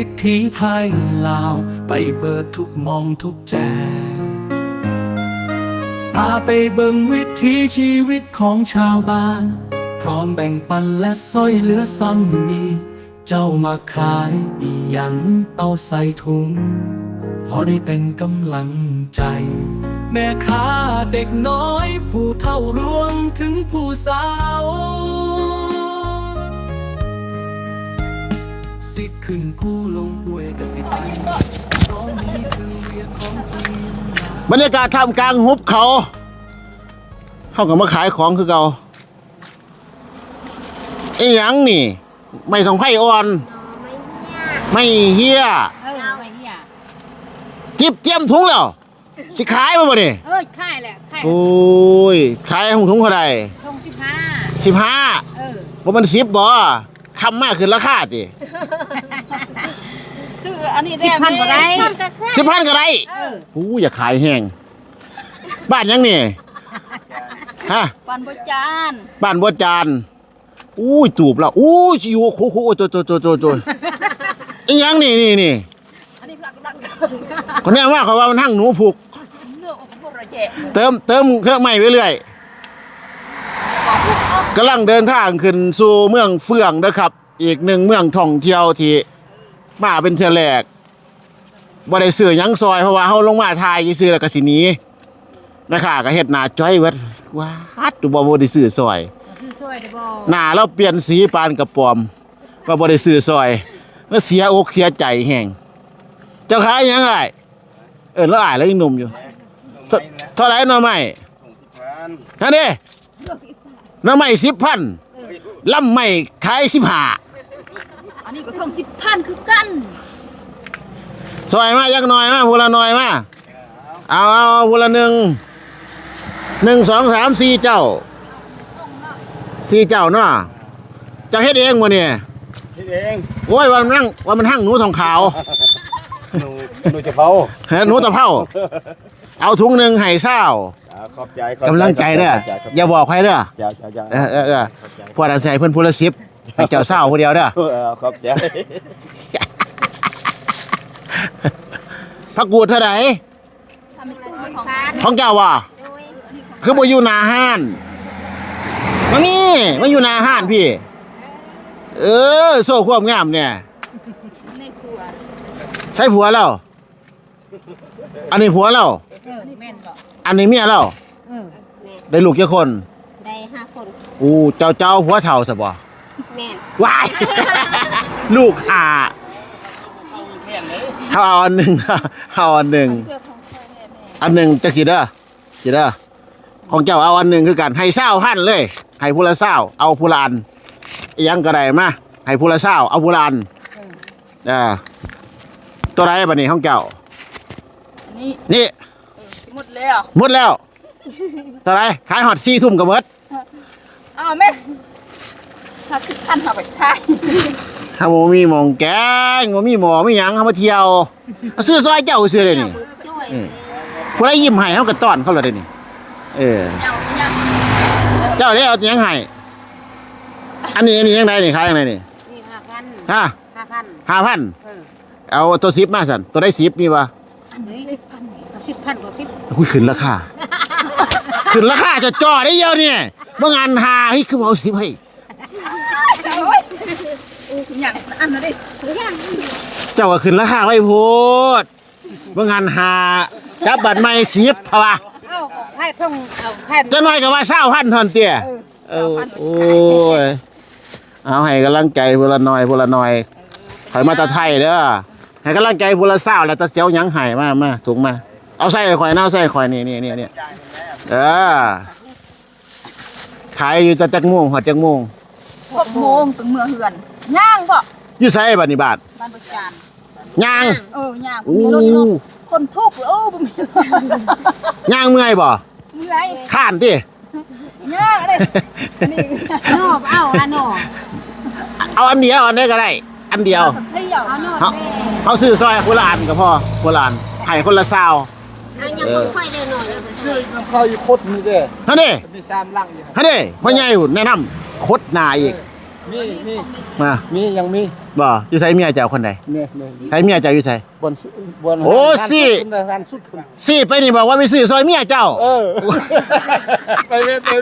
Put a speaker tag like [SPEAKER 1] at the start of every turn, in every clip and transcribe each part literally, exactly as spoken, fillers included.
[SPEAKER 1] วิถีไทยลาวไปเบิดทุกมองทุกแจพาไปเบิ่งวิถีชีวิตของชาวบ้านพร้อมแบ่งปันและซ้อยเหลือซ้ำมีเจ้ามาขายอีหยังเอาใส่ถุงพอได้เป็นกำลังใจแม่ค้าเด็กน้อยผู้เฒ่ารวมถึงผู้สาวสิขึ้นผู้ลงห้วยกสิไปเพราะนี้คือเรียกของทีม
[SPEAKER 2] บรรยากาศท่ามกลางหุบเขาเขาก็มาขายของคือเก่าไอ้หยังนี่ไม่สองไผ่อ่อนไม่เฮีย
[SPEAKER 3] เออไม่เฮีย
[SPEAKER 2] จิบเจียมถุงแล้วสิขายมาบ่นี่
[SPEAKER 3] เออขายแหละขาย
[SPEAKER 2] โอ้ยขายถุงเท่าไหร่
[SPEAKER 3] ทงสิบห้า
[SPEAKER 2] สิบห้า
[SPEAKER 3] เออ
[SPEAKER 2] บ่มันสิบบ่คำมากขึ้นราคาติ
[SPEAKER 3] ซื้ออันนี้สิบพันก็ได้
[SPEAKER 2] สิบพันก็ได้
[SPEAKER 3] เออ
[SPEAKER 2] โอ้อย่าขายแห้งบ้านยังนี่ฮะ
[SPEAKER 3] บ้านบัวจาน
[SPEAKER 2] บ้านบัวจานอู้ยตูบแล้วอู้ยอยู่โคโคโตโตโตโตโตอีหยังนี่นี่นี่
[SPEAKER 3] อันนี้พลักดัก
[SPEAKER 2] คนนี้ว่าเขาว่ามันหั่งหนูผูก
[SPEAKER 3] เนื้ออกพวกเราแจก
[SPEAKER 2] เติมเติมเครื่องใหม่ไปเรื่อยกำลังเดินทางขึ้นสู่เมืองเฟื่องนะครับอีกหนึ่งเมืองท่องเที่ยวที่มาเป็นเที่ยวแรกบ่ได้ซื้อหยังซอยเพราะว่าเฮาลงมาทายซื้อแล้วก็สิหนีนะคะก็เฮ็ดหน้าจ้อยเบิดว้าดบ่บ่ได้ซื้อซอย
[SPEAKER 3] ซื้อซอยได้บ่
[SPEAKER 2] หน้าเราเปลี่ยนสีปานกระป๋อมว่าบ่ได้ซื้อซอยแล้วเสียอกเสียใจแฮงเจ้าขายหยังไงเออแล้วอายแล้วยังหนุ่มอยู่เท่าไหร่หน่อไม้นั่นดิหน่อไม้สิบพันลำไม้ขายสิบห้า
[SPEAKER 3] อันนี้ก็ทงสิบพันคือกัน
[SPEAKER 2] ซอยมายักหน่อยมาพูละหน่อยมาเอาเอาพูละหนึ่งหนึ่งสองสามสี่เจ้าสี่เจ้าเนาะจะเฮ็ดเองบ่เนี่ย
[SPEAKER 4] เฮ็ดเอง
[SPEAKER 2] โอ้ยว่ามันนั่งว่ามันหั่งหนูทองขาว
[SPEAKER 4] หนูหนูจะเผา
[SPEAKER 2] หนูตะเผาเอาถุงหนึ่งให้เศร้า
[SPEAKER 4] ขอบใจ
[SPEAKER 2] กำลังใจเด้ออย่าบอกใครเด้อเออเออเออพอดใส่เพิ่นพูละสิบให้เจ้าเศร้าผู้เดียวเด้อ
[SPEAKER 4] ขอบใจ
[SPEAKER 2] พักกูดเท่าไหร่ของเจ้าว่ะคือบ่อยู่หน้าห้านมานี่มาอยู่หน้าห้านพี่เออโซ่ความงามเนี่ยใช่ผัวแล้วอันนี้ผัวแล้วอันนี้เมียแล้วได้ลูกกี่คน
[SPEAKER 3] ได้ห้าคน
[SPEAKER 2] อู้เจ้าเจ้าผัวเฒ่าซะบ่
[SPEAKER 3] แม่
[SPEAKER 2] นว้ายลูกห่าเอาอันหนึ่งเอาอันหนึ่งอันหนึ่งจะกี่เด้อกี่เด้อของเจ้าเอาอันหนึ่งคือกันให้เศร้าพันเลยให้ผู้ละเศร้าเอาผู้ละอันยังก็ได้มาให้ผู้ละเศร้าเอาผู้ละอันอ่าตัวไรบัดนี้ของเจ้า
[SPEAKER 3] นี่
[SPEAKER 2] นี่
[SPEAKER 3] หมดแล้ว
[SPEAKER 2] หมดแล้วตัวไรขายหอดซี่ทุ่มกับเบิด
[SPEAKER 3] อ้าวแม่ห้าสิบพันเอาไปขาย
[SPEAKER 2] ถ้าโมมีหมองแกงโมมีหมอไม่ยังเขามาเที่ยวซื้อซอยเจ้าซื้อเลยนี่ผู้ใดยิ้มให้เขากระต้อนเขาเลยนี่เออเจ้าได้เอายังไงอันนี้อันนี้ยังไงนี่ขายยังไงนี่
[SPEAKER 3] ห้าพัน
[SPEAKER 2] ฮะ
[SPEAKER 3] ห้าพัน
[SPEAKER 2] ห้าพันเอาตัวซิปมาสันตัวได้ซิปมีปะ
[SPEAKER 3] สิบพันสิบพันกว่าสิบ
[SPEAKER 2] อุ้ยขึ้นราคาขึ้นราคาจะจ่อได้เยอะเนี่ยเมื่องานหาเฮ้ยคือเอาซิปให้
[SPEAKER 3] อย่างอันนั้นดิ
[SPEAKER 2] เจ้าก็ขึ้นราคาไว้โพดเมื่องานหาจับบัตรไม่ซิปเพราะว่า
[SPEAKER 3] เอาแค่ท่องเอาแค่
[SPEAKER 2] จะน้อยกับว่าเศร้าพันทอนเตี้ยเออโอ้ยเอาให้กำลังใจพลน้อยพลน้อยถอยมาตะไทยเด้อให้กำลังใจพลเศร้าแล้วตะเสียวยังหายมามาถุงมาเอาใส่ข่อยเน่าใส่ข่อยนี่นี่นี่นี่เออขายอยู่จะจักม่วงหอดจักม่วง
[SPEAKER 3] หกโมงถึงเมืองเหือนย่างบ่
[SPEAKER 2] อยู่ไสบัดนี้บาท
[SPEAKER 3] บ้านประจาน
[SPEAKER 2] ย่าง
[SPEAKER 3] เออย่างคนทุกข์โอ้บ่มี
[SPEAKER 2] ย่างเมื่อยบ่
[SPEAKER 3] เมื่อย
[SPEAKER 2] ข้านติ
[SPEAKER 3] ย่างเด้นี่นอบเอาอันนอ
[SPEAKER 2] เอาอันเดียวอันนี้ก็ได้อันเดียว
[SPEAKER 3] เอา
[SPEAKER 2] เขาซื้อซอยคนละอันก็พอคนละอันให้คนละซาว
[SPEAKER 3] เออค่อยได้หน่อย
[SPEAKER 4] ซื้อน้ำข้าวอยู่คดนี่เด้อ
[SPEAKER 2] ท่านนี่
[SPEAKER 4] มีสามลังอยู่
[SPEAKER 2] ท่านนี่พ่อใหญ่แนะนำคดนาอีก
[SPEAKER 4] มีมี
[SPEAKER 2] มา
[SPEAKER 4] มียังมี
[SPEAKER 2] บ่อยู่ไสเมียเจ้าคนใด
[SPEAKER 4] เนี่ยเนี่ย
[SPEAKER 2] ไสเมียเจ้าอยู่ไส
[SPEAKER 4] บนบน
[SPEAKER 2] โอ้สิ
[SPEAKER 4] ร้านสุดคุณ
[SPEAKER 2] สิไปนี่บอกว่าไปซื้อซอยเมียเจ้า
[SPEAKER 4] เออไปไปไป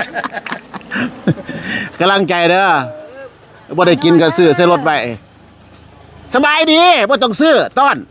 [SPEAKER 2] กำลังใจเด้อบ่ได้กินก็ซื้อใส่รถไว้สบายดีบ่ต้องซื้อต้อน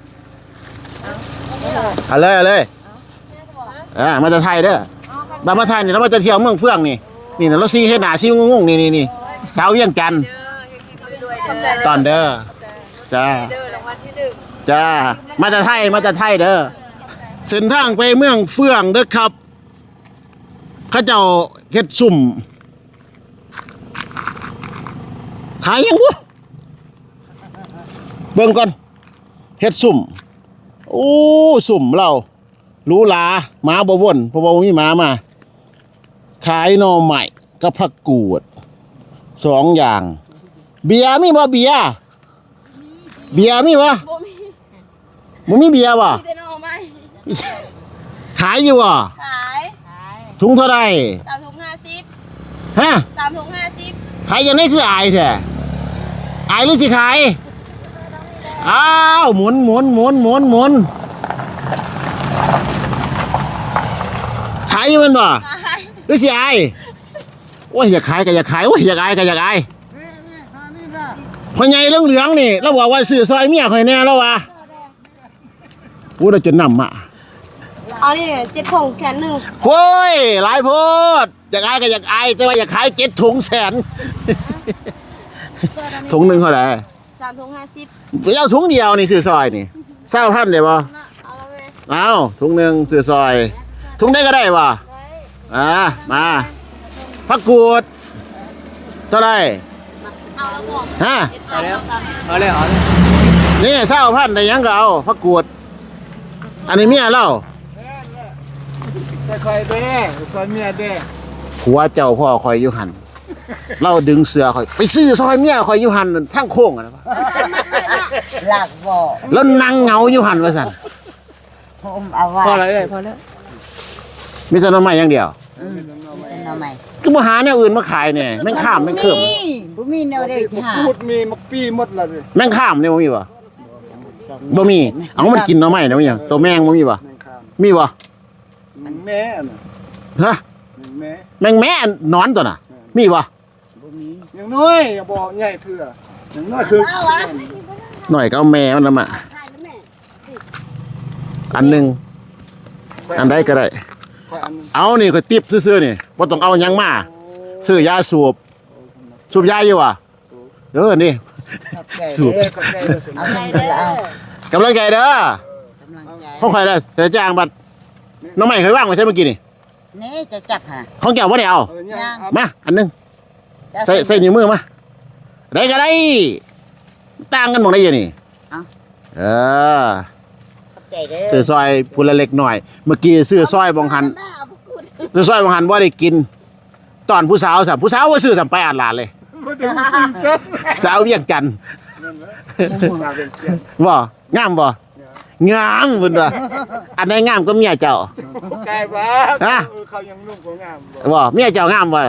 [SPEAKER 2] เอาเลยเอาเลยอ่ามาจากไทยเด้อมามาไทยนี่เรามาจะเที่ยวเมืองเฟื่องนี่นี่นะเราซีเฮ็ดหน้าซีงงๆนี่นี่นี่สาวเวียงจันทน์ตอนเด้อจ้าจ้ามาจากไทยมาจากไทยเด้อเส้นทางไปเมืองเฟื่องเด้อครับเขาเจ้าเฮ็ดซุ่มหายยังวะเบิ่งก่อนเฮ็ดซุ่มโอ้ซุ่มเราหรูหราหมาบ่วนเพราะว่าบ่มีหมามาขายหน่อใหม่กับผักกูดสองอย่าง เบียร์มีบ่เบียร์เบียร์มีบ่
[SPEAKER 3] บ่มี
[SPEAKER 2] บ่มีเบียร์บ่
[SPEAKER 3] เดนเอาไหม
[SPEAKER 2] ขายอยู่บ่
[SPEAKER 3] ขาย
[SPEAKER 2] ถุงเท่าไหร่
[SPEAKER 3] สามถุงห้าสิบ
[SPEAKER 2] ฮะ
[SPEAKER 3] สามถุงห้าสิบ
[SPEAKER 2] ขายยังไงคืออายแท้อายหรือสิขายอ้าวหมุนหมุนหมุนหมุนหมุนขายอยู่แมันบ่
[SPEAKER 3] ขาย
[SPEAKER 2] หรือสิอายโอ้ยอยากขายก็อยากขายโอ้ยอยากอายก็อยากอายพ่อใหญ่เหลืองๆนี่เราบอกว่าซื้อซอยเมียข่อยแน่แล้ววะพูดแล้วจนนำอ่ะ
[SPEAKER 3] เอานี่เจ็ดถุงแสนหนึ่ง
[SPEAKER 2] โอ้ยหลายโพดอยากอายก็อยากอายแต่ว่าอยากขายเจ็ดถุงแสนถุงหนึ่งเท่าไหร่
[SPEAKER 3] สามถุงห้าสิบ
[SPEAKER 2] ไปเอาถุงเดียวนี่ซื้อซอยนี่เศร้าพันเลยบ่
[SPEAKER 3] เอาแล้วไหม
[SPEAKER 2] เอาถุงหนึ่งซื้อซอยถุงได้ก็ได้บ่อ่ามาผักกูดเท่าไหร่
[SPEAKER 3] เอาแล้วบอก
[SPEAKER 2] ฮะ
[SPEAKER 3] เอาแล้ว
[SPEAKER 4] เอาเลยเอาเลย
[SPEAKER 2] นี่เศร้าพันได้หยังก็เอาผักกูดอันนี้เมียเล่า
[SPEAKER 4] ใส่ไข่เด้ซอยเมียเด้
[SPEAKER 2] ผัวเจ้าพ่อคอยอยู่หันเราดึงเสือคอยไปซื้อซอยเมียคอยอยู่หันนั่นทั้งโค้งอะนะ
[SPEAKER 5] หลักบ่
[SPEAKER 2] แล้วนั่งเหงาอยู่หันว่าซั่น
[SPEAKER 5] ผมเอาไว้
[SPEAKER 4] พอแล้วเอ้ยพอแล้ว
[SPEAKER 2] มีแต่หน้ำไม้อย่างเดียว
[SPEAKER 5] อืมเป็นเอาใหม่
[SPEAKER 2] คือบ่หาแนวอื่นมาขายเนี่ยแม่งข้ามแม่งเคิม
[SPEAKER 5] นี่บ่มีแนวใดที่หา
[SPEAKER 4] พูดมีมักปี้หมดเลย
[SPEAKER 2] แม่งข้ามเนี่ยบ่มีบ่บ่มีเอามันกินหน่อไม้นะมันหยังตัวแมงบ่มีบ่
[SPEAKER 4] แมงคาม
[SPEAKER 2] มีบ่
[SPEAKER 4] แม่น่ะ
[SPEAKER 2] ฮะ
[SPEAKER 4] แม่
[SPEAKER 2] แมงแม่นอนตัวน่ะ มีบ่
[SPEAKER 5] บ่มี
[SPEAKER 4] ยังน้อยอย่าบอกใหญ่เถื่อยังน้อยคือ
[SPEAKER 2] หน่อยก็เอาแม่มันนำมาอันหนึงอันใดก็ได้ เอานี่ก็ติบซื่อๆนี่บ่ต้องเอาหยังมาซื้อยาสูบสูบยาอยู่บ่เออนี่
[SPEAKER 5] ขอบใจ
[SPEAKER 2] สูบ
[SPEAKER 5] เด้อเอาทำเด้อเอา
[SPEAKER 2] กำลังใจเด้อก
[SPEAKER 5] ำลังใจ
[SPEAKER 2] ของใครได้แต่จ้างบัดน้องใหม่เคยว่างไว้ใช่เมื่อกี้นี่
[SPEAKER 5] นี่จะจับหา
[SPEAKER 2] ของแก้วบ่ได้เอา
[SPEAKER 4] เออเนี่ยเอา
[SPEAKER 2] มาอันหนึง
[SPEAKER 5] จะ
[SPEAKER 2] ใส่ใส่นิ้วมือมาได้ก็ได้ต่างกันหมดได้ยังนี่เออ
[SPEAKER 5] ขอบใจเด้อ
[SPEAKER 2] ซื้อซอยพูละเล็กหน่อย เมื่อกี้ซื้อซอยบองหันซื้อซอยบองหันว่าได้กิน ตอนผู้สาวสัมผู้สาวว่าซื้อสัมไปอ่านหลานเลย
[SPEAKER 4] บ่ได้ซื้อซะ
[SPEAKER 2] สาวเวียงจันทน์
[SPEAKER 4] สาวเป็นเสียง
[SPEAKER 2] บ่งามบ่งามเพิ่นว่าอันไหนงามก็เมียเจ้า
[SPEAKER 4] ไก่บ้า
[SPEAKER 2] ฮะ
[SPEAKER 4] เออเขายังนุ่มกว่างามบ่
[SPEAKER 2] บ่เมียเจ้างามบ่
[SPEAKER 4] งาม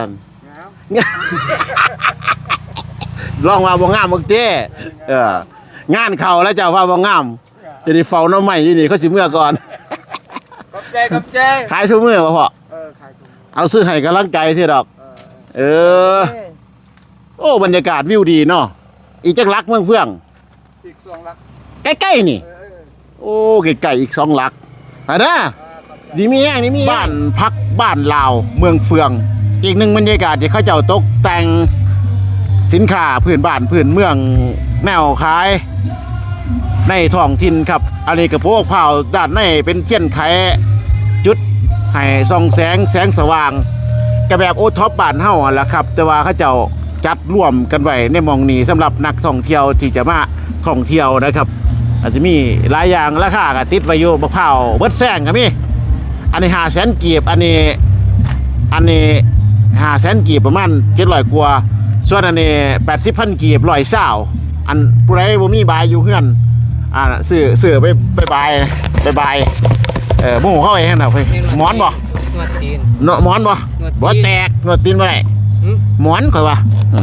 [SPEAKER 2] ลองว่าบ่งามมึงเต้เอองานเข้าแล้วเจ้าว่าบ่งามจะได้เฝ้าหน้อใหม่อยู่นี่เขาสิเมื่อก่อน
[SPEAKER 4] ขอบใจขอบใจ
[SPEAKER 2] ขายทุกมื้อบ่พ่อ
[SPEAKER 4] เออขายถุง
[SPEAKER 2] เอาซื้อให้กำลังใจสิดอก เออ โอ้บรรยากาศวิวดีเนาะอีจักลักเมืองเฟื่อง
[SPEAKER 4] อีกสองลัก
[SPEAKER 2] ใกล้ๆนี่
[SPEAKER 4] เออ
[SPEAKER 2] โอ้ไกลๆอีกสองหลักอ่ะนะดีมีแห้งดีมีบ้านพักบ้านลาวเมืองเฟือง อีกหนึ่งบรรยากาศที่เขาเจ้าตกแต่งสินค้าพื้นบ้านพื้นเมืองแนวขาย ในท้องถิ่นครับ อันนี้กระโปรงเผาด้านในเป็นเทียนไขจุดให้ส่องแสงแสงสว่างกระแบบโอท็อปบ้านเฮาหั่นล่ะครับ แต่ว่าเขาเจ้าจัดร่วมกันไว้ในหมองนี้สำหรับนักท่องเที่ยวที่จะมาท่องเที่ยวนะครับ อาจจะมีหลายอย่างราคาก็ติดไว้อยู่มะพร้าวเบิดแซงก็มีอันนี้ห้าแสนกีบอันนี้อันนี้ห้าแสนกีบประมาณเจ็ดร้อยกว่าส่วนอันนี้แปดสิบพันกีบร้อยเศร้าอันผู้ใดบ่มีบายอยู่เฮือนอ่าซื้อซื้อไปไปบายไปบายเออหมู่เข้าไปหั่นน่ะเพิ่นหมอนบ่
[SPEAKER 6] นวดตีน
[SPEAKER 2] เนาะหมอนบ่
[SPEAKER 6] นวดตีน
[SPEAKER 2] บ่แตกนวดตีนบ่ได้
[SPEAKER 6] หึ
[SPEAKER 2] หมอนข่อยว่าอืม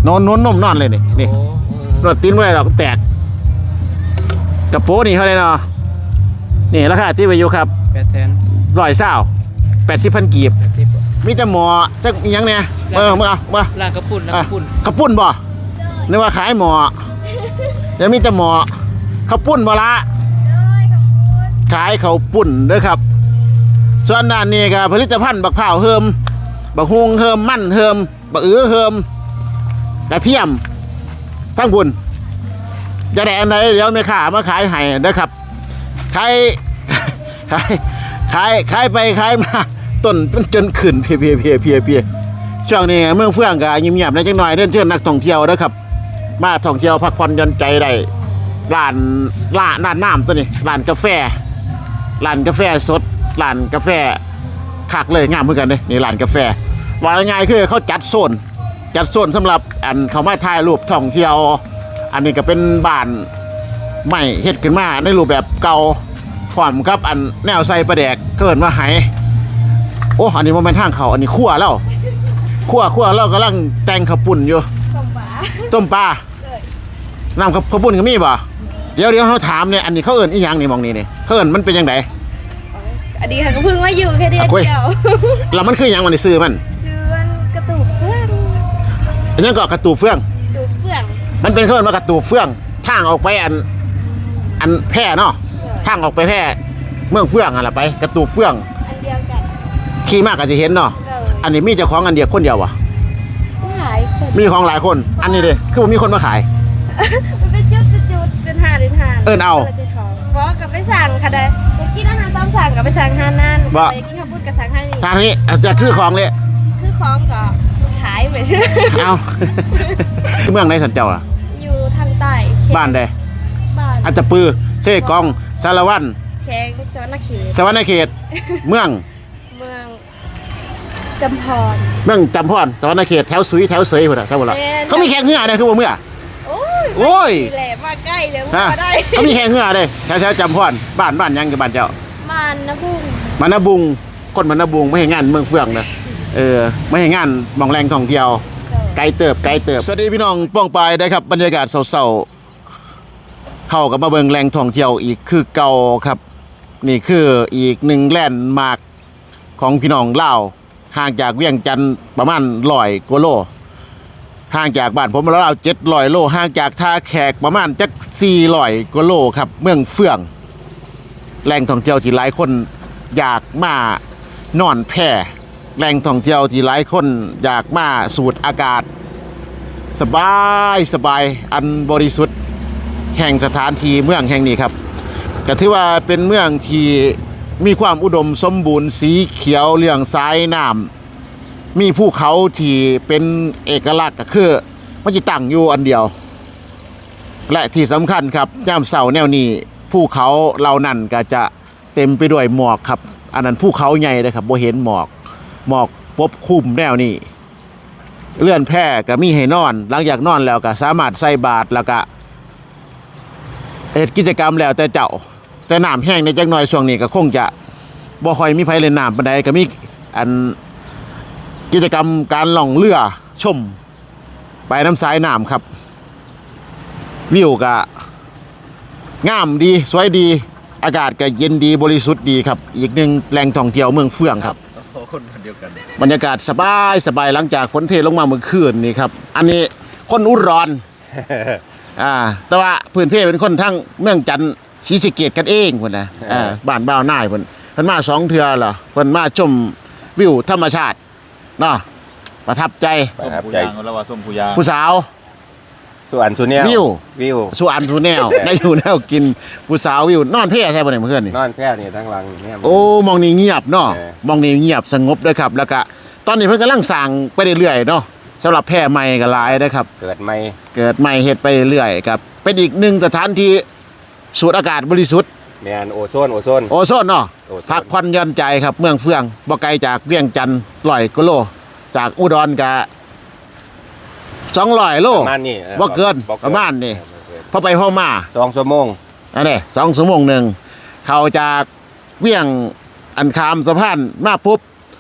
[SPEAKER 2] นอนนอนนมนอนเลยนี่นี่นวดตีนไม่ได้หรอกแตกกระโปรงนี่เขาเลยเนาะนี่ราคาที่ไปอยู่ครับ
[SPEAKER 4] แปดแสน
[SPEAKER 2] ร้อยเศร้าแปดสิบพันกีบ
[SPEAKER 4] แปดสิบ
[SPEAKER 2] มีแต่หมอจักอิหยังเนี่ยเออมึงเอามา
[SPEAKER 4] ร้านกระปุ่นร้าน
[SPEAKER 2] อ่ะ
[SPEAKER 4] กระปุ่น
[SPEAKER 2] ข้าวปุ้นบ่นึกว่าขายหมอยังมีแต่หมอข้าวปุ้นบ่ละขายข้าวปุ้นเด้อครับ ส่วนด้านนี้ก็ผลิตภัณฑ์บักพร้าวเฮิมบักฮุงเฮิมมั่นเฮิมบักอือเฮิมกระเทียมทั้งบุญจะได้อันไหนเดี๋ยวแม่ค้ามาขายให้นะครับขาย ขายขายขายไปขายมาต้นมันจนขึ้นเพียเพียเพียเพียเพียช่วงนี้เมืองเฟื่องก็เงียบๆได้จังหน่อยเดินเชิญนักท่องเที่ยวนะครับมาท่องเที่ยวพักผ่อนหย่อนใจได้ร้านร้านร้านน้ำตัวนี้ร้านกาแฟร้านกาแฟสดร้านกาแฟคักเลยงามเหมือนกันเลยนี่ร้านกาแฟว่าง่ายๆคือเขาจัดโซนจัดโซนสำหรับอันเขามาถ่ายรูปท่องเที่ยว อันนี้ก็เป็นบ้านใหม่เฮ็ดขึ้นมาในรูปแบบเก่าพร้อมกับอันแนวใส่ประแดกเกิดมาไหโอ้อันนี้มันเป็นทางเขาอันนี้คั่วแล้วคั่วคั่วเรากำลังแต่งข้าวปุ้นอยู่
[SPEAKER 3] ส่งปลา
[SPEAKER 2] ต้มปลาน้ำข้าวปุ้นก็มีป่ะเดี๋ยวเดี๋ยวเขาถามเนี่ยอันนี้เขาเอิ้นอีหยังนี่มองนี่นี่เขาเอิ้นมันเป็นยังไง
[SPEAKER 3] อันนี้ค่ะก็เพิ่งมาอยู่แค่เดือนเดียว
[SPEAKER 2] แล้วมันคือหยังมันในซื้อมัน
[SPEAKER 3] ซื้อมันกระตุกเพื่อน
[SPEAKER 2] อันนี้ก็กระตูบเฟื่อง
[SPEAKER 3] ดูเฟื่อง
[SPEAKER 2] มันเป็นเขาเอิ้นว่ากระตูบเฟื่องทางออกไปอันอันแพร่เนาะทางออกไปแพร่เมืองเฟื่องอะไรไปกระตูบเฟื่อง
[SPEAKER 3] อันเดียวกัน
[SPEAKER 2] ขี่มากก็จะเห็นเนาะ
[SPEAKER 3] เลย
[SPEAKER 2] อันนี้มีเจ้าของอันเดียวคนเดียววะ
[SPEAKER 3] หลายคน
[SPEAKER 2] มีของหลายคน อันนี้เด้คือว่ามีคนมาขาย
[SPEAKER 3] มันเป็นจุดเป็นจุดเป็นหาเป็นหา
[SPEAKER 2] เอิ้นเอา
[SPEAKER 3] เพราะกับไปสั่งค่ะเด้อยากกินอาหารตามสั่งกับไปสั่งหานั่น
[SPEAKER 2] บ่
[SPEAKER 3] อยากกินข้าวปุ้นกับสั่งให้นี่
[SPEAKER 2] ทางนี้จะซื้อของเลย
[SPEAKER 3] คือของก็ขายไปซื้อ
[SPEAKER 2] เอา เมืองไหนสันเจ้าล่ะ
[SPEAKER 3] อยู่ทางใต้
[SPEAKER 2] บ้านใด
[SPEAKER 3] บ้าน
[SPEAKER 2] อัตตปือเชกองสารวัน
[SPEAKER 3] แข้งสวรรณเขต
[SPEAKER 2] สวรรณเขต เมือง
[SPEAKER 3] เมืองจำพร
[SPEAKER 2] เมืองจำพรสวรรณเขตแถวสุยแถวเสยพุ่นน่ะแถวบ่ล่ะ
[SPEAKER 3] แม่น
[SPEAKER 2] เขามีแข่งเหือได้คือบ่เมื่อ
[SPEAKER 3] โอ้ย
[SPEAKER 2] โอ้ย
[SPEAKER 3] แหลมมาใกล้เลย
[SPEAKER 2] ฮะ
[SPEAKER 3] มาได้
[SPEAKER 2] เขามีแข่งเหือได้แถวแถวจำพรบ้านบ้านหยังกับบ้านเจ้า
[SPEAKER 3] มันนะพุ่ง
[SPEAKER 2] มันนาบุงคนมันนาบุงไม่ให้งานเมืองเฟื่องนะเออไม่ให้งานหมองแรงท่องเที่ยวไกลเติบไกลเติบสวัสดีพี่น้องป้องปายได้ครับบรรยากาศเศร้าๆเข้ากับมาเบิงแรงท่องเที่ยวอีกคือเก่าครับ นี่คืออีกหนึ่งแลนด์มาร์คของพี่น้องลาวห่างจากเวียงจันทร์ประมาณร้อยกว่าโลห่างจากบ้านผมแล้วเราเจ็ดร้อยโลห่างจากท่าแขกประมาณจักสี่ร้อยกว่าโลครับเมืองเฟื่องแหล่งท่องเที่ยวที่หลายคนอยากมานอนแพร่แหล่งท่องเที่ยวที่หลายคนอยากมาสูดอากาศ สบายสบายอันบริสุทธิ์แห่งสถานที่เมืองแห่งนี้ครับก็ถือว่าเป็นเมืองที่มีความอุดมสมบูรณ์สีเขียวเรื่องสายน้ำมีภูเขาที่เป็นเอกลักษณ์ก็คือมันจะตั้งอยู่อันเดียว และที่สำคัญครับย่ามเสาแนวนี้ภูเขาเหล่านั้นก็จะเต็มไปด้วยหมอกครับอันนั้นภูเขาใหญ่เลยครับบ่เห็นหมอกหมอกปกคลุมแนวนี้เลื่อนแพร่ก็มีให้นอนหลังจากนอนแล้วก็สามารถใส่บาตรแล้วก็เฮ็ดกิจกรรมแล้วแต่เจ้าแต่น้ำแห้งในจักหน่อยช่วงนี้ก็คงจะบ่ค่อยมีไผเล่นน้ำปานใดก็มีอันกิจกรรมการล่องเรือชมไปน้ำสายน้ำครับวิวก็งามดีสวยดีอากาศก็เย็นดีบริสุทธิ์ดีครับอีกหนึ่งแหล่งท่องเที่ยวเมืองเฟื่องครับ
[SPEAKER 4] คนเดียวกัน
[SPEAKER 2] บรรยากาศสบายสบายหลังจากฝนเทลงมาเมื่อคืนนี่ครับอันนี้คนอุดร อ่าแต่ว่าพื้นเพเป็นคนทั้งเมืองจันทร์ศรีสะเกษกันเองพุ่นนะอ่าบ้านบ่าวนายเพิ่นเพิ่นมาสองเทื่อเหรอเพิ่นมาชมวิวธรรมชาติเนาะประทับใจ
[SPEAKER 6] ประทับใจ
[SPEAKER 4] แล้วว่าส้มผูยาง
[SPEAKER 2] ผู้สาว
[SPEAKER 6] ส่วนสุเนีย
[SPEAKER 2] วิว
[SPEAKER 6] วิว
[SPEAKER 2] สุอันสุแนว ได้อยู่แนวกินผู้สาววิวนอนเพ่ใช่บ่เนี่ยเมื่อคืนนี่
[SPEAKER 6] นอนแพร่เนี่ยทั้งหลังเนี่ย
[SPEAKER 2] โอ้มองนี่เงียบเนาะ
[SPEAKER 6] เออ
[SPEAKER 2] มองนี่เงียบสงบด้วยครับแล้วก็ตอนนี้เพิ่นกำลังสร้างไปเรื่อยๆเนาะสำหรับแพร่ใหม่ก็หลายนะครับ
[SPEAKER 6] เกิดไม่
[SPEAKER 2] เกิดใหม่เฮ็ดไปเรื่อยครับเป็นอีกหนึ่งสถานที่สูดอากาศบริสุทธิ์
[SPEAKER 6] แมนโอโซนโอโซน
[SPEAKER 2] โอโซนเนาะ
[SPEAKER 6] โอโซน
[SPEAKER 2] พักผ่อนหย่อนใจครับเมืองเฟื่องบ่ไกลจากเวียงจันทร์ร้อยกิโลจากอุดรก็สองร้อยโล
[SPEAKER 6] ประมาณนี้ออ
[SPEAKER 2] บ่เกิน
[SPEAKER 6] บ่
[SPEAKER 2] ประมาณนี้
[SPEAKER 6] บ่เกิน
[SPEAKER 2] พอไปพอมา
[SPEAKER 6] สองชั่วโมง
[SPEAKER 2] อันนี้สองชั่วโมงหนึ่งเข้าจากเวียงอันคามสะพานมาปุ๊บ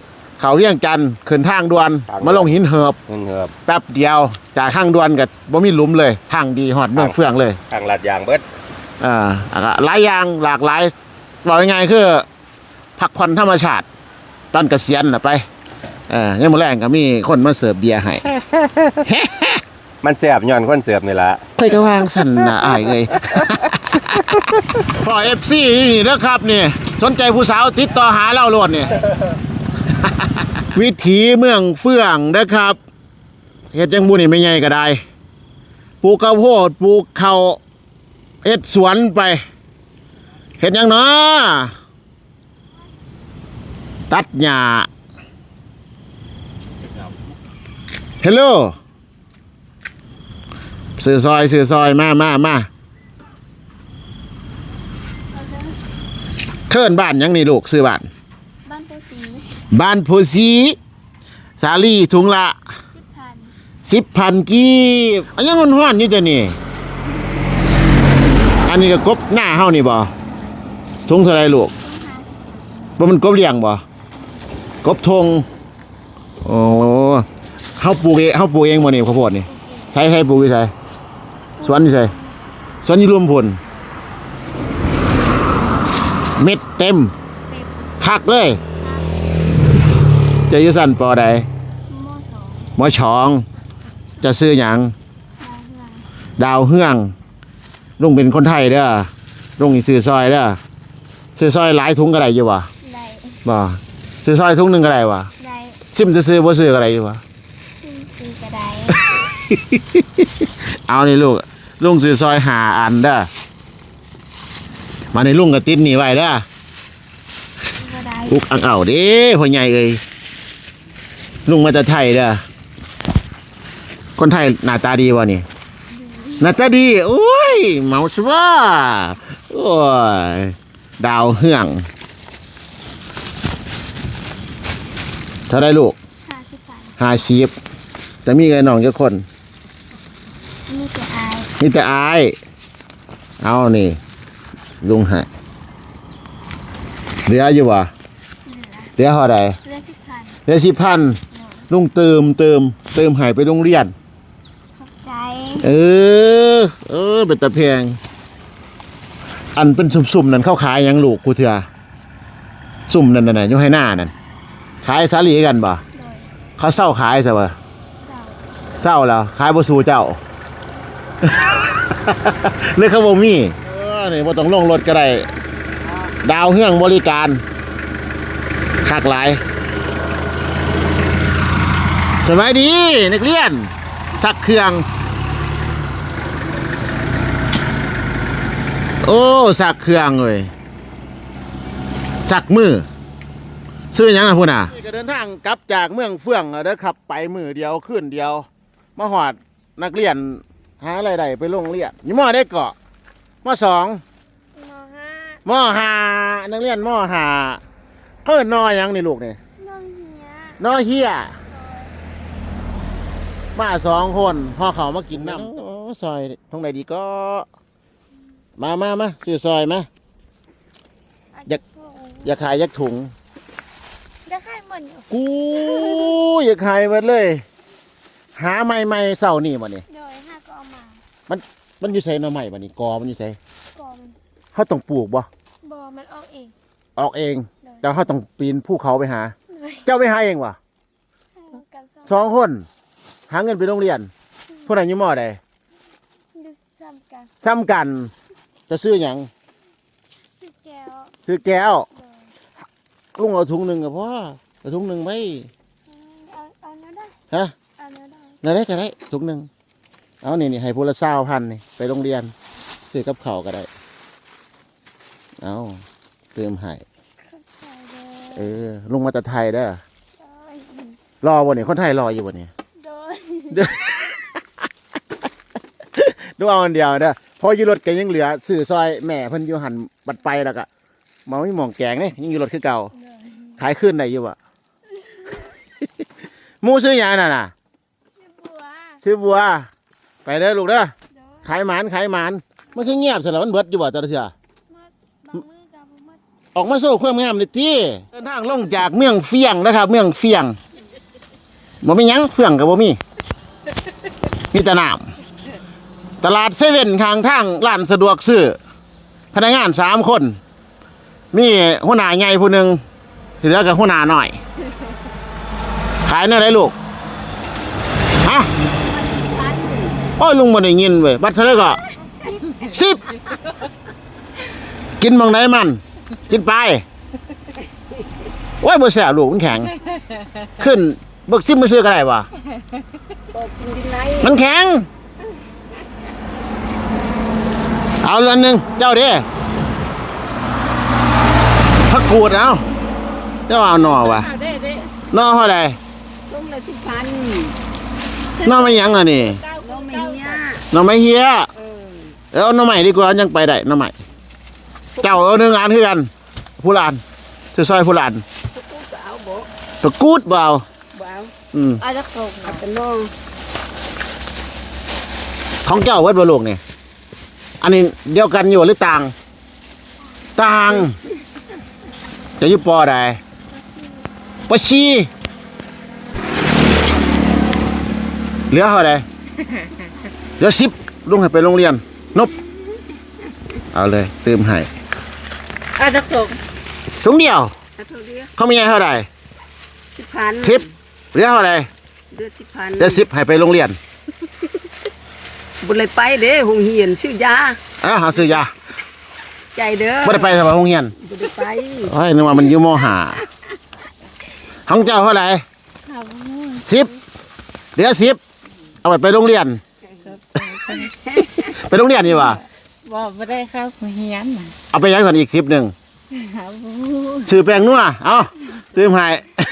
[SPEAKER 2] เขาเวียงจันทน์ขึ้นทางด่วนมาลงหินเหิบ
[SPEAKER 6] เงินเหือบ
[SPEAKER 2] แป๊บเดียวจากทางด่วนกับบ่มีหลุมเลยทางดีฮอดเมืองเฟืองเลย
[SPEAKER 6] ทางลาดยางเบิด
[SPEAKER 2] อ่าหลายอย่างหลากหลายบอกยังไงคือพักผ่อนธรรมชาติตอนเกษียณน่ะไปเออยังมื้อแรงก็มีคนมาเสิร์ฟเบียร์ให้
[SPEAKER 6] มันแซ่บย้อนคนเสิร์ฟนี่ล่ะ
[SPEAKER 2] เคยก็วางสั่นน่ะอ้ายเอ้ย พอ เอฟ ซี นี่เด้อครับนี่สนใจผู้สาวติดต่อหาเราโลดนี่ วิถีเมืองเฟื่องนะครับเฮ็ดจังบุนี่ไม่ใหญ่ก็ได้ปลูกข้าวโพดปลูกข้าวเอ็ดสวนไปเฮ็ดหยังเนาะตัดหญ้าเฮลโลซื้อซอยซื้อซอยมามามาเคิ่นบ้านหยังนี่ลูกซื้อบ้าน
[SPEAKER 3] บ้านโพสี
[SPEAKER 2] บ้านโพสีสาลี่ถุงละ
[SPEAKER 3] สิบพัน
[SPEAKER 2] สิบพันกีบอันยังมันห้อนอยู่จ้ะนี่ อันนี้ก็กบหน้าเฮานี่บ่ถุงเท่าไรลูกบ่มันกบเลี้ยงบ่กบทงโอ้เฮาปลูกเองเฮาปลูกเองบ่นี่ข้าวโพดนี่ใช้ใช้ปลูกอยู่ไสสวนอยู่ไสสวนอยู่รวมพลเม็ดเต็มคักเลยจะอยู่สั่นปอใด
[SPEAKER 3] โมสอง
[SPEAKER 2] หมอชอง จะซื้อหยัง
[SPEAKER 3] ดาวเรือง
[SPEAKER 2] ดาวเฮืองลุงเป็นคนไทยเด้อลุงนี่ซื้อซอยเด้อซื้อซอยหลายถุงก็ได้อยู่วะ
[SPEAKER 3] ได้
[SPEAKER 2] บ่ซื้อซอยถุงหนึงก็ได้วะ
[SPEAKER 3] ได้
[SPEAKER 2] ซิมจะซื้อบ่ซื้อก็ได้อยู่วะ
[SPEAKER 3] ซึ่งซื้อกระได
[SPEAKER 2] เอานี่ลูกลุงซื้อซอยหาอันเด้อมาในลุงก็ติดหนี่ไว้เด้อก
[SPEAKER 3] ระได
[SPEAKER 2] อุกอังเอาเด้พ่อใหญ่เอ้ยลุงมาจากไทยเด้อคนไทยหน้าตาดีวะนี่หน้าตาดีโอ้ยเมาสว่าโอ้ยดาวเฮืองเท่าไรลูก
[SPEAKER 3] ห้าสิบพัน
[SPEAKER 2] ห้าสิบจะมีไงน้องเจ้าคน
[SPEAKER 3] นี่จะอาย
[SPEAKER 2] นี่แต่อายเอานี่ลุงให้เหลืออยู่วะ
[SPEAKER 3] เหลือ
[SPEAKER 2] เหลือเท่าไร
[SPEAKER 3] เหลือสิบพัน
[SPEAKER 2] เหลือสิบพันลุงเติมเติมเติมให้ไปโรงเรียน
[SPEAKER 3] ขอบใจ
[SPEAKER 2] เออ เออ เป็นตะแพงอันเป็นสุ่มๆนั่นเข้าขายหยังลูกกูเถื่อสุ่มนั่นน่ะอยู่ให้หน้านั่นขายสาลีกันบ่
[SPEAKER 3] โดย
[SPEAKER 2] เขาเศร้าขายซะบ่
[SPEAKER 3] เสา
[SPEAKER 2] เจ้าแล้วขายบ่สู่เจ้า เลยเขาบ่มีเออนี่บ่ต้องลงรถก็ได้ดาวเฮืองบริการคักหลายสบายดีนักเรียนสักเครื่องโอ้สักเครื่องเลยสักมือซื้อหยังนะพุ่นน่ะก็เดินทางกลับจากเมืองเฟื่องเด้อครับไปมือเดียวขึ้นเดียวมาหอดนักเรียนหาอะไรใดไปโรงเรียนยี่มอได้เกาะมอสอง
[SPEAKER 3] มห้าม
[SPEAKER 2] อห้านักเรียนมอห้าเขาเอิ้นนอหยังนี่ลูกนี่
[SPEAKER 3] น้องเฮีย
[SPEAKER 2] นอเฮียมาสองคนพ่อเขามากินน้ำโอ้ซอยตรงไหนดีก็ มามามาซื้อซอยมา อยาก อยากขายยักถุง
[SPEAKER 3] จะขายเหมือนอยู่
[SPEAKER 2] กูอยากขายหมดเลย หาใหม่ๆเศร้านี่บ่นี่
[SPEAKER 3] โดยห้าก็เอามา
[SPEAKER 2] มันอยู่ใส่หน่อใหม่บ่นี่กอมันอยู่ใส่
[SPEAKER 3] ก่อน
[SPEAKER 2] เขาต้องปลูกบ่
[SPEAKER 3] บอมันออกเอง
[SPEAKER 2] ออกเอง
[SPEAKER 3] โดย
[SPEAKER 2] แต่เขาต้องปีนภูเขาไปหา
[SPEAKER 3] โดย
[SPEAKER 2] เจ้าไปหาเองวะ
[SPEAKER 3] ให้กัน
[SPEAKER 2] สองคน หาเงินไปโรงเรียนผู้ใดอยู่มอใด
[SPEAKER 3] ดูซ้ำกัน
[SPEAKER 2] ซ้ำกัน จะซื้อหยัง
[SPEAKER 3] คือแก้ว
[SPEAKER 2] ซื้อแก้ว
[SPEAKER 3] โดย
[SPEAKER 2] ลุงเอาถุงหนึ่งกับพ่อเอาถุงหนึ่งไหม
[SPEAKER 3] อืมเอาเอาเนื้อได้
[SPEAKER 2] ฮะ
[SPEAKER 3] เอาเนื้อได้
[SPEAKER 2] นั่นได้ก็ได้ถุงหนึ่งเอานี่นี่ให้พละเศร้าพันนี่ไปโรงเรียนซื้อกับข้าวก็ได้ เอาเติมให้
[SPEAKER 3] เข้าใจเลย
[SPEAKER 2] เออลุงมาแต่ไทยเด้อ
[SPEAKER 3] โดย
[SPEAKER 2] รอวันนี้คนไทยรออยู่วันนี้
[SPEAKER 3] โดย
[SPEAKER 2] ดูเอาอันเดียวเด้อพออยู่รถก็ยังเหลือซื้อซอยแม่เพิ่นอยู่หันบัดไปแล้วก็มาไม่หมองแกงนี่ยังอยู่รถคือเก่า
[SPEAKER 3] โดย
[SPEAKER 2] ขายขึ้นได้อยู่อ่ะ หมูซื้อหยังน่ะน่ะ
[SPEAKER 3] ชื่อบัว
[SPEAKER 2] ซื้อบัว ไปเด้อลูกเด้อ
[SPEAKER 3] โดย
[SPEAKER 2] ขายหมานขายหมานมันคือเงียบซะแล้วมันเบิดอยู่บ่แต่ละเทื่อ
[SPEAKER 3] มัดบางมือกับบ่มัด
[SPEAKER 2] ออกมาโซ่ความงามเลยที่เดินทางลงจากเมืองเฟียงนะครับ เมืองเฟียงบ่มีหยังเฟียงกับบ่มีมีแต่น้ำตลาดเซเว่นข้างทางร้านสะดวกซื้อพนักงานสามคนมีหัวหน้าใหญ่ผู้หนึ่งเหลือกับหัวหน้าหน่อยขายเนื้ออะไรลูกฮะโอ้ยลุงบ่ได้ยินเว้ยบัตรเท่าไหร่ก็สิบกินบางไหนมันกินไปโอ้ยบ่แซ่บลูกมันแข็งขึ้นเบิกซิมมาซื้อก็ได้วะมันแข็งเอาเรือนหนึ่งเจ้าเด้พักกูดเอาเจ้าเอาหน่อวะหน่อเท่าไหร่
[SPEAKER 5] ลุงละสิบพัน
[SPEAKER 2] หน่อไม่ยั้งอ่ะนี่
[SPEAKER 5] ลุงไม่เฮีย
[SPEAKER 2] หน่อไม่เฮียเออเอาหน่อใหม่ดีกว่ายังไปได้หน่อใหม่เจ้าเอาหนึ่งอันคือกันผู้ลานซอยผู้ลาน
[SPEAKER 5] เอาบ่
[SPEAKER 2] ตะกูดเปล่า
[SPEAKER 5] บ่เอา
[SPEAKER 2] อืม
[SPEAKER 5] เอาจักส่งเอาเป็นน้อง
[SPEAKER 2] ของเจ้าเวทบลูกนี่อันนี้เดียวกันอยู่หรือต่าง ต่าง จะอยุปอใดปอชีเหลือเท่าใดเหลือสิบลุงให้ไปโรงเรียนนบเอาเลยเติมให้
[SPEAKER 5] เอาจักส่ง
[SPEAKER 2] ถุงเดียว
[SPEAKER 5] เอาเท่าเดียว
[SPEAKER 2] เขามีไงเท่าใด
[SPEAKER 5] สิบพัน
[SPEAKER 2] สิบเหลือเท่าใด
[SPEAKER 5] เดือนสิบพัน
[SPEAKER 2] เหลือสิบให้ไปโรงเรียน
[SPEAKER 5] บุเลยไปเด้หงเหียนชื่อยา
[SPEAKER 2] เอ้าหาซื้อยา
[SPEAKER 5] ใจเด้อ
[SPEAKER 2] ไม่ได้ไปสมัยโรงเรียน
[SPEAKER 5] บุเลยไป
[SPEAKER 2] โอ้ยนึกว่ามันอยู่มหาของเจ้าเท่าไหร่สิบเหลือสิบเอาไปไปโรงเรียน ไปโรงเรียนนี่วะ
[SPEAKER 7] บอกไม่ได้เข้าหัวเฮียนน่ะ
[SPEAKER 2] เอาไปยังสันอีกสิบหนึ่ง
[SPEAKER 7] หาบู
[SPEAKER 2] ซื้อแป้งนัวเอาตื่มให้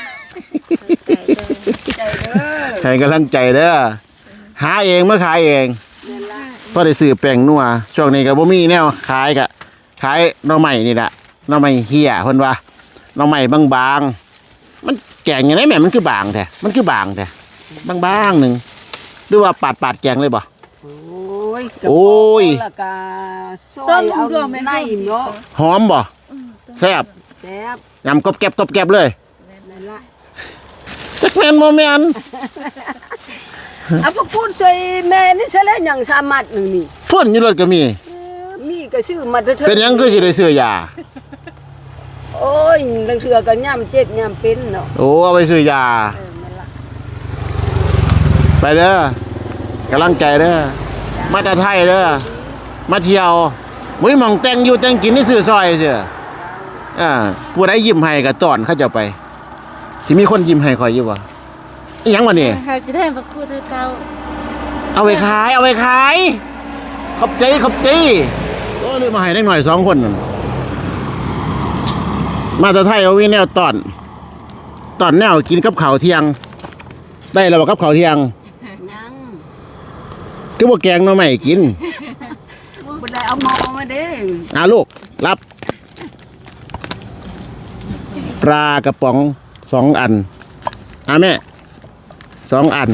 [SPEAKER 5] ใจเด้อ
[SPEAKER 2] ให้กำลังใจเด้อหาเองเมื่อขายเองพอได้ซื้อแป้งนัวช่วงนี้ก็บ่มีแนวขายกะขายหน่อใหม่นี่แหละหน่อใหม่เฮียเพิ่นว่าหน่อใหม่บางๆมันแกงยังไงแม่มันคือบางแท้มันคือบางแท้บางๆหนึ่งหรือว่าปาดปาดๆแกงเลยบ่
[SPEAKER 5] โอ้ย
[SPEAKER 2] โอ้ย
[SPEAKER 5] แล้วก็ซอยเอาในเนาะ
[SPEAKER 2] หอมบ่แซ่บ
[SPEAKER 5] แซ่บ
[SPEAKER 2] ยำกรอบแกบกรอบแกบเลย
[SPEAKER 5] นั่นล่ะ
[SPEAKER 2] จักแม่นบ่แม่น
[SPEAKER 5] เอาพวกพูดใส่แม่นี่ซะแล้วหยังสามารถหนึงนี่
[SPEAKER 2] พ่นอยู่รถก็มี
[SPEAKER 5] มีก็ซื้อมาเถอะ
[SPEAKER 2] เป็นหยังคือสิได้ซื้อยา
[SPEAKER 5] โอ้ยบางเทื่อก็ย่ำเจ็บย่ำเป็นเนาะ
[SPEAKER 2] โอ้เอาไปซื้อยา
[SPEAKER 5] เออนั่นล่ะ
[SPEAKER 2] ไปเด้อกำลังใจเด้อมาแต่ไทยเด้อมาเที่ยวมุ้ยหมองแต่งอยู่แต่งกินนี่ซื้อซอยเด้ออ่าผู้ใดยิ้มให้ก็ต้อนเขาเจ้าไปสิมีคนยิ้มให้ข่อยอยู่บ่อีหยังวะนี่
[SPEAKER 7] เขาจะได้มากู้เธอเก่า
[SPEAKER 2] เอาไปขายเอาไปขายขอบใจขอบใจโอ้ลืมมาให้ได้หน่อยสองคนนั่นมาแต่ไทยเอาวิแนวตอนตอนแนวกินกับข้าวเที่ยง ได้แล้วบ่กับข้าวเที่ยง
[SPEAKER 5] ยัง
[SPEAKER 2] คือบ่แกงหน่อไม้กิน
[SPEAKER 5] บ่ได้เอาหมอมาเด้
[SPEAKER 2] อ่าลูกรับ ปลากระป๋องสองอันอ่าแม่สองอัน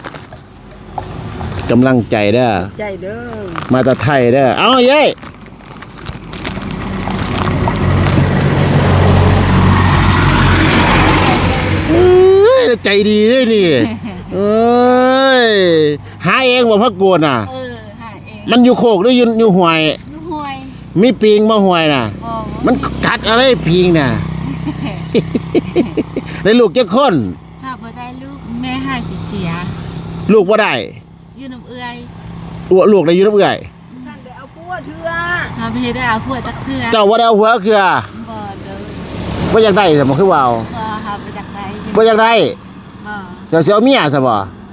[SPEAKER 2] กำลังใจเด้อ
[SPEAKER 5] ใจเด้อ
[SPEAKER 2] มาแต่ไทยเด้อเอาเย้เอ้ยใจดีด้วยนี่เอ้ยหาเองบ่พักกวนน่ะ
[SPEAKER 7] เออหาเอง
[SPEAKER 2] มันอยู่โคกหรืออยู่อยู่ห้วย
[SPEAKER 7] ลูกห่วย
[SPEAKER 2] มีปิงบ่ห้วยน่ะ
[SPEAKER 7] บอก
[SPEAKER 2] มันกัดอะไรปิงน่ะ ได้ลูกเจ้าคน
[SPEAKER 7] ถ้าบ่ได้ลูกแม่หายสิเสีย
[SPEAKER 2] ลูกบ่ได้
[SPEAKER 7] อยู่น้ำเอื้อย
[SPEAKER 2] อ้วลูกได้อยู่น้ำเอื่อย
[SPEAKER 5] ท่านได้เอาปัวเถื่อ
[SPEAKER 7] ถ้าไม่ได้เอาผัวจักเทื่อ
[SPEAKER 2] เจ้าบ่ได้เอาหัวคือ
[SPEAKER 7] บ่เด้อ
[SPEAKER 2] บ่อยากได้ซะบ่คือว่าเอา
[SPEAKER 7] บ่หาไปจากไหน
[SPEAKER 2] บ่อยากได้
[SPEAKER 7] บ่
[SPEAKER 2] เจ้าสิเอาเมียซะบ่
[SPEAKER 7] บ่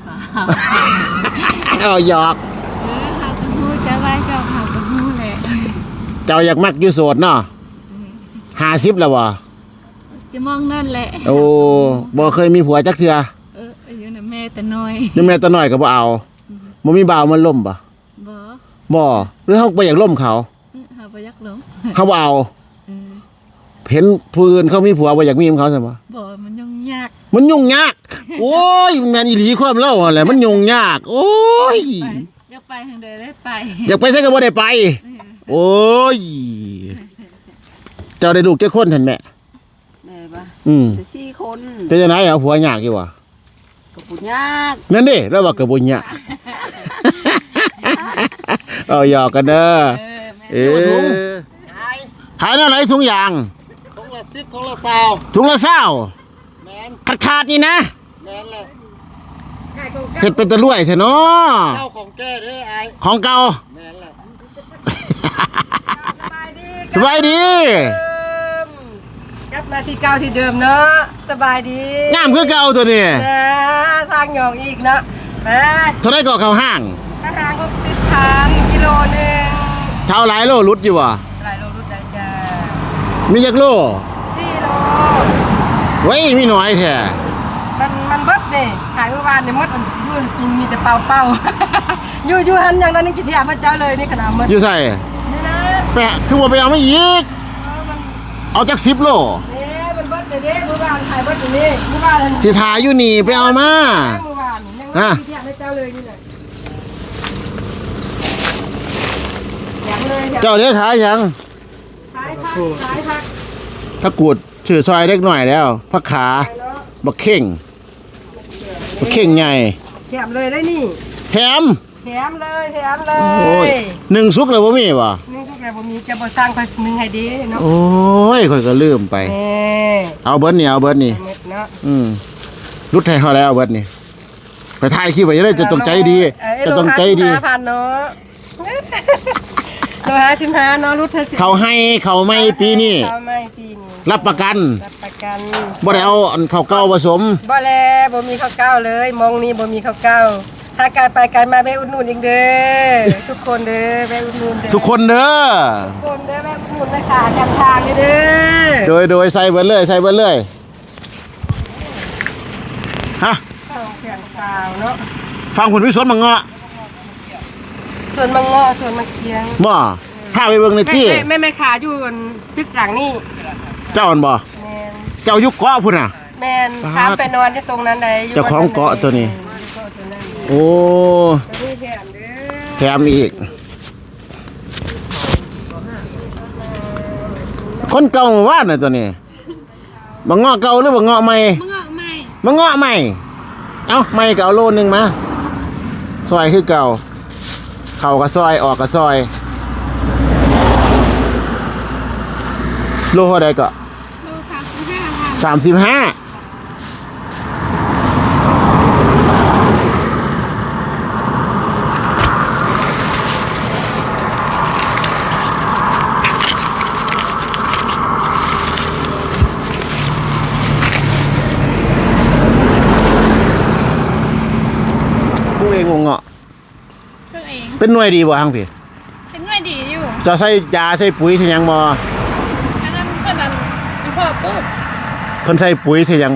[SPEAKER 2] เอาหยอก
[SPEAKER 7] เออหาไปฮู้จะไว้เจ้าหาไปฮู้แหละ
[SPEAKER 2] เจ้าอยากมักอยู่โสดเนาะห้าสิบแล้วบ่
[SPEAKER 7] จะมองนั่นแหละ
[SPEAKER 2] โอ้บ่เคยมีผัวจักเทื่อ
[SPEAKER 7] เอออยู่น่ะแม่แต่น้อย
[SPEAKER 2] นี่แม่ตาน้อยก็บ่เอาบ่มีบ่าวมันล่มบ่
[SPEAKER 7] บ่
[SPEAKER 2] บ่หรือเฮาบ่อยากล่มเขา
[SPEAKER 7] เออหาบ่อยากหลง
[SPEAKER 2] เฮาบ่เอา
[SPEAKER 7] เออ
[SPEAKER 2] เห็นผู้อื่นเขามีผัวบ่อยากมีกับเขาซั่นบ่
[SPEAKER 7] บ่มันยุ่งยาก
[SPEAKER 2] มันยุ่งยาก โอ้ยมันแม่นอีหลีความเล่าอะไรมันยุ่งยาก โอ้ย
[SPEAKER 7] ไปอยากไปทางใดได้ไป
[SPEAKER 2] อยากไปใส่ก็บ่ได้ไป โอ้ยเจ้าได้ลูกแก่คนเห็นแม่
[SPEAKER 5] แม่ปะ
[SPEAKER 2] อืม
[SPEAKER 5] จะสี่คน
[SPEAKER 2] เป็นจังไดเอาผัวยากอยู่วะ
[SPEAKER 5] ก็ปุญยาก
[SPEAKER 2] นั่นดิแล้วว่าก็บ่ยาก เอาหยอกกันเด้อเออขายเท่าไหร่ถุงยาง
[SPEAKER 4] ทงละสิบทงละสาว
[SPEAKER 2] ถุงละเศร้า
[SPEAKER 4] แมน
[SPEAKER 2] ขาดขาดๆนี่นะ
[SPEAKER 4] แมนเลย
[SPEAKER 2] เฮ็ดเป็นตะลุ่ยแท้เนาะ
[SPEAKER 4] เจ้าของแก้เด้อไอ้
[SPEAKER 2] ของเก่า
[SPEAKER 4] แมนเลย
[SPEAKER 2] สบายดี
[SPEAKER 5] กลับมาที่เก่าที่เดิมเนาะสบายดี
[SPEAKER 2] งามคือเก่าตัวนี้
[SPEAKER 5] นะสร้างหยองอีกเนาะมา
[SPEAKER 2] เท่าไรก็เข้าห้าง
[SPEAKER 5] ทางหกสิบพันกิโลหนึ่ง
[SPEAKER 2] เท่าหลายโลรุดอยู่บ่
[SPEAKER 5] หลายโลรุ่นได้จ้า
[SPEAKER 2] มีจักโล
[SPEAKER 5] สี่โล
[SPEAKER 2] ไว้ยมีน้อยแท้
[SPEAKER 5] มันมันเบิดนี่ขายเมื่อวานเนี่ยมดมันยืนกินมีแต่เป่าเป่า อยู่อยู่หันอย่างนั้นนี่กินที่อาพระเจ้าเลยนี่ขนาดมัน
[SPEAKER 2] อยู่ใส่
[SPEAKER 5] นี่นะ
[SPEAKER 2] แปะคือว่าไปเอามาอีก
[SPEAKER 5] เออมัน
[SPEAKER 2] เอาจักสิบโล
[SPEAKER 5] นี่มันเบิดเด้เมื่อวานขายเบิดอยู่นี่เมื่อวาน
[SPEAKER 2] สิทาอยู่นี่ไปเอามา
[SPEAKER 5] เมื่อวานนี่ยัง
[SPEAKER 2] ฮะ
[SPEAKER 5] กินที่อาพระเจ้าเลยนี่แหละอย่างเลยอย่าง
[SPEAKER 2] เจ้าเด้ขายหยัง
[SPEAKER 5] ขายผักขายผัก
[SPEAKER 2] ถ้ากูดชื่อซอยเล็กหน่อยแล้วผักขาบักเข่งบักเข่งใหญ่
[SPEAKER 5] แถมเลยได้นี่
[SPEAKER 2] แถม
[SPEAKER 5] แถมเลยแถมเล
[SPEAKER 2] โอ้ย
[SPEAKER 5] ย
[SPEAKER 2] หนึ่งซุกเลยบ่มีบ่
[SPEAKER 5] นี่พวกเราบ่มีจะบ่สร้างคอยนึงให้ดีเนาะ
[SPEAKER 2] โอ้ยข่อยก็ลืมไป
[SPEAKER 5] เอ้ย
[SPEAKER 2] เอาเบิดนี่เอาเบิดนี่
[SPEAKER 5] หมดเนาะ
[SPEAKER 2] อืมรุดให้เขาแล้วเอาเบิดนี่ไปถ่ายคลิปไว้จะได้จะต้องใจดี
[SPEAKER 5] เอ้ย
[SPEAKER 2] จะต้องใจดี
[SPEAKER 5] โลห้าสิบห้าพันเนาะโลห้าสิบห้าเนาะรุดเธอสิ
[SPEAKER 2] เขาให้เขาไม่ปีนี้
[SPEAKER 5] เขาไม่ปีนี้
[SPEAKER 2] รับประกัน
[SPEAKER 5] รับประกัน
[SPEAKER 2] บ่ได้เอาอันข้าวเก่าผสม
[SPEAKER 5] บ่แลบ่มีข้าวเก้าเลยมองนี้บ่มีข้าวเก้าถ้าการไปการมาแวะอุดหนุนอีกเด้อทุกคนเด้อแวะอุดหนุนเด้อ
[SPEAKER 2] ทุกคนเด้อ
[SPEAKER 5] ทุกคนเด้อแวะอุดหนุนนะคะจำทางเลยเด้อ
[SPEAKER 2] โดยโดยใส่เบิดเลยใส่เบิดเลยฮะ
[SPEAKER 5] ข้าวแข็งขาวเนาะ
[SPEAKER 2] ฟังผลวิสวนมังเงาะ
[SPEAKER 5] ส่วนมังงอส่วนมังเคียง
[SPEAKER 2] บ่พาไปเบิ่งใน
[SPEAKER 5] แม่
[SPEAKER 2] ที่
[SPEAKER 5] แม่แม่แม่ขาอยู่บนตึกหลังนี่
[SPEAKER 2] เจ้าอันบ่
[SPEAKER 5] แมน
[SPEAKER 2] เจ้าอยุคเกาะพุ่นน่ะ
[SPEAKER 5] แมนถามไปนอนที่ตรงนั้นใดยู่
[SPEAKER 2] เจ้าของเกาะตัวนี้
[SPEAKER 5] เกาะตัวนั้น
[SPEAKER 2] โอ้
[SPEAKER 5] ตัวนี้แถมเด้อ
[SPEAKER 2] แถมอีก คนเก่าหมู่บ้านน่ะตัวนี้บังเงาะเก่าหรือบังเงาะใหม่
[SPEAKER 7] มึงออกไหม
[SPEAKER 2] บังเงาะใหม่ เอ้าใหม่ก็เอาโลนึงมาซอยคือเก่าเข้าก็ซอยออกก็ซอยโลเท่าใดก็
[SPEAKER 7] โลสามสิบห้าพัน
[SPEAKER 2] สามสิบห้าผู้เองงงเงาะ
[SPEAKER 7] ตัวเอง
[SPEAKER 2] เป็นหน่วยดีบ่ฮังพี่
[SPEAKER 7] เป็นหน่วยดีอยู่
[SPEAKER 2] จะใส่ยาใส่ปุ๋ยที่ยังบ่
[SPEAKER 7] อันนั้นก็ดันเป็นพ่อปุ๊บ
[SPEAKER 2] เพิ่นใส่ปุ๋ยที่ยังบ่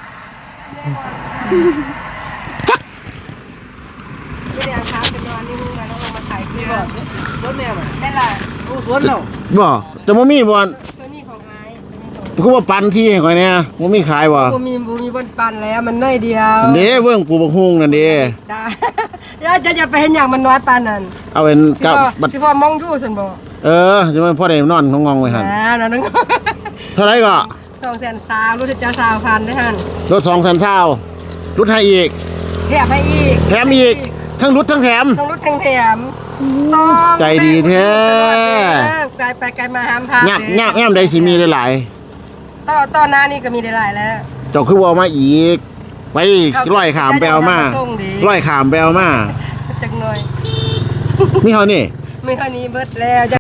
[SPEAKER 5] ไม่ได้เอาเท้าไปนอนนี่มึงแล้วลงมาถ่ายคลิปก่อน
[SPEAKER 4] สวนแม่มา
[SPEAKER 5] ได้ละ
[SPEAKER 4] โอ้สวนเรา
[SPEAKER 2] บ่แต่บ่มีบ่
[SPEAKER 5] ตัวนี้ของไอ้ตัวนี้ของ
[SPEAKER 2] คือว่าปันที่ให้ข่อยแหน่บ่มีขายบ่
[SPEAKER 5] บูมีบูมีบนปันแล้วมันน้อยเดียว
[SPEAKER 2] เด้เบิ่งปลูกบักฮุ้งนั่นเด้
[SPEAKER 5] ได้ แล้วจะจะไปเห็นอย่างมันน้อยปานนั้น
[SPEAKER 2] เอาเป็น
[SPEAKER 5] สิ
[SPEAKER 2] กับ
[SPEAKER 5] พ่อ
[SPEAKER 2] บัด
[SPEAKER 5] สิพ่อมองอยู่สันบอก
[SPEAKER 2] เออสิมันพอได้นอนงองๆไว้หั่น
[SPEAKER 5] อ่านั่นนึง
[SPEAKER 2] เท่าไหร่ก็
[SPEAKER 5] สองแสนสาวรู้จะสาวพันได้หัน
[SPEAKER 2] รถสองแสนเช้ารุดให้อีก
[SPEAKER 5] แถมให้อีก
[SPEAKER 2] แถมอีก ทั้งรุดทั้งแถม
[SPEAKER 5] ต้องรุดทั้งแถมต้อง
[SPEAKER 2] ใจดีแท้
[SPEAKER 5] ไกลไปไกลมาหามพา
[SPEAKER 2] ยับยับแอมใดสิมีหลาย
[SPEAKER 5] ต่อต่อหน้านี่ก็มีได้หลายแล้ว
[SPEAKER 2] ๆเจ้าคือว่ามาอีก ไปร้อยขามไปเอามาร้อยขามไปเอามา
[SPEAKER 5] จักหน่อย
[SPEAKER 2] มีเฮานี่
[SPEAKER 5] มีเท่านี้เบิดแล้ว